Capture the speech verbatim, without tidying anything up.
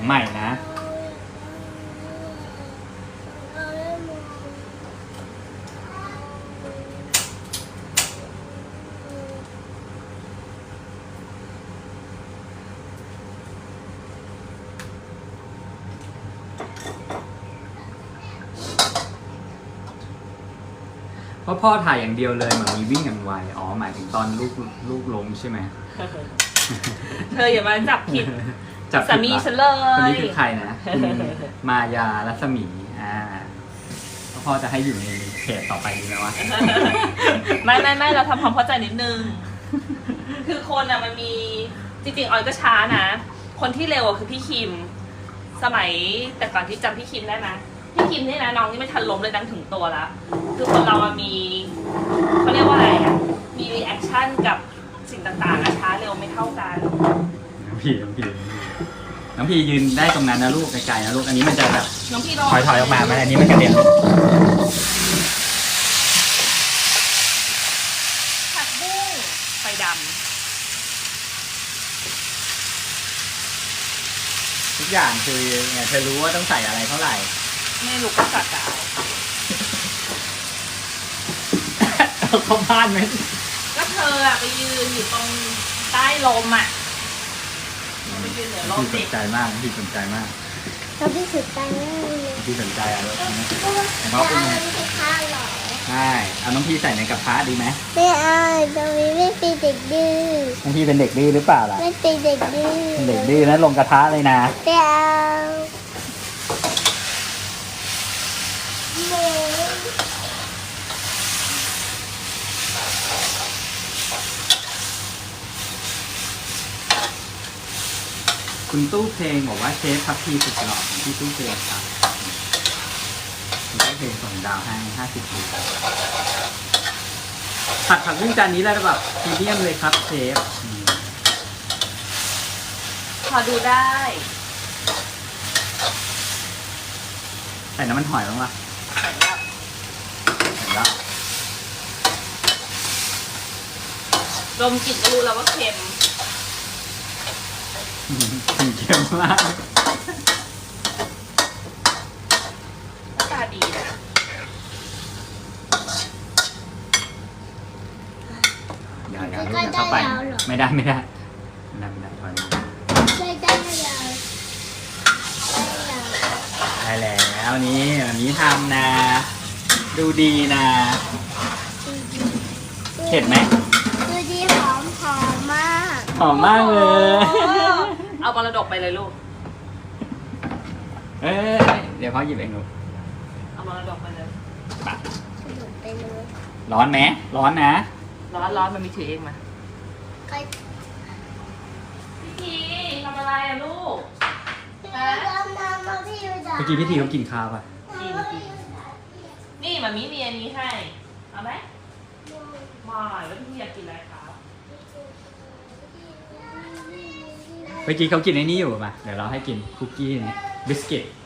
ใหม่นะเพราะพ่อถ่ายอย่างเดียวเลยเหมือนมีวิ่งอย่างไวอ๋อหมายถึงตอนลูกลูกล้มใช่ไหมเธออย่ามาจับผิดจับสามีฉันเลยคนนี้คือใครนะคุณมายารัศมีอ่าพ่อจะให้อยู่ในเพจต่อไปดีไหมวะไม่ไม่ไม่เราทำความเข้าใจนิดนึง คือคนอะมันมีจริงๆออยก็ช้านะ คนที่เร็วอะคือพี่คิม สมัยแต่ก่อนที่จำพี่คิมได้ไหมพี่คิมนี่นะน้องนี่ไม่ทันล้มเลยดังถึงตัวแล้วคือคนเราอะมีเขาเรียกว่าอะไรอะมีรีแอคชั่นกับสิ่งต่างๆอะช้าเร็วไม่เท่ากันน้องพีน้องพีน้องพียืนได้ตรงนั้นนะลูกไกลๆนะลูกอันนี้มันจะแบบน้องพี่ถอยถอยออกมามันอันนี้มันกระเด็นผักบุ้งไฟดทุกอย่างคือเนี่ยเธอรู้ว่าต้องใส่อะไรเท่าไหร่ำไม่รู้ก็สักกาวเอาเข้าบ้านไหมก็เธออะไปยืนอยู่ตรงใต้ลมอะไปยืนเหนือลมพี่สดินใจมากพี่สนใจมากเราพี่สุดใจมากเลยพี่สนใจอ่ะรถนี้เพราะว่าจะเอาน้ำพริกข้าวหรอใช่เอาน้องพี่ใส่ในกระทะดีไหมไม่เอาตรงนี้ไม่เป็นเด็กดื้อน้องพี่เป็นเด็กดื้อหรือเปล่าล่ะไม่เป็นเด็กดื้อเป็นเด็กดื้อนะลงกระทะเลยนะไม่เอาหมูคุณตู้เพลงบอกว่าเชฟพับพีสุดหล่อของพี่ตู้เพลงครับคุณตู้เพลงส่งดาวให้ห้าสิบดาวผัดผักบุ้งจานนี้แล้วแบบพรีเมียมเลยครับเชฟอืมพอดูได้ใส่น้ำมันหอยบ้างปะใส่แล้วใส่แล้วดมกลิ่นก็รู้แล้วว่าเค็มอืมเค็มมากตาดีนะอย่าอย่าลูกอย่าเข้าไปไม่ได้ไม่ได้ไม่ได้ไม่ได้ถอยมาไม่ได้เลยไม่ได้ได้แล้วนี่แบบนี้ทำนะ ดูดีนะเผ็ดไหมดูดีหอมหอมมากหอมมากเลยเอามรดกไปเลยลูกเอ้ยเดี๋ยวพ่อหยิบเองลูกเอามรดกไปเลยปะสนุกไปเลยร้อนไหมร้อนนะร้อนร้อนมันมีถือเองมาใครพี่ทีทำอะไรอะลูกมามามาพี่ยูจ๋าเมื่อกี้พี่ทีเขากินข้าวป่ะกินกินนี่มามีมีอันนี้ให้ เอาไหมไม่แล้วพี่อยากกินอะไรครับเมื่อกี้เขากินไอ้นี่อยู่ป่ะเดี๋ยวเราให้กินคุกกี้นี่บิสกิต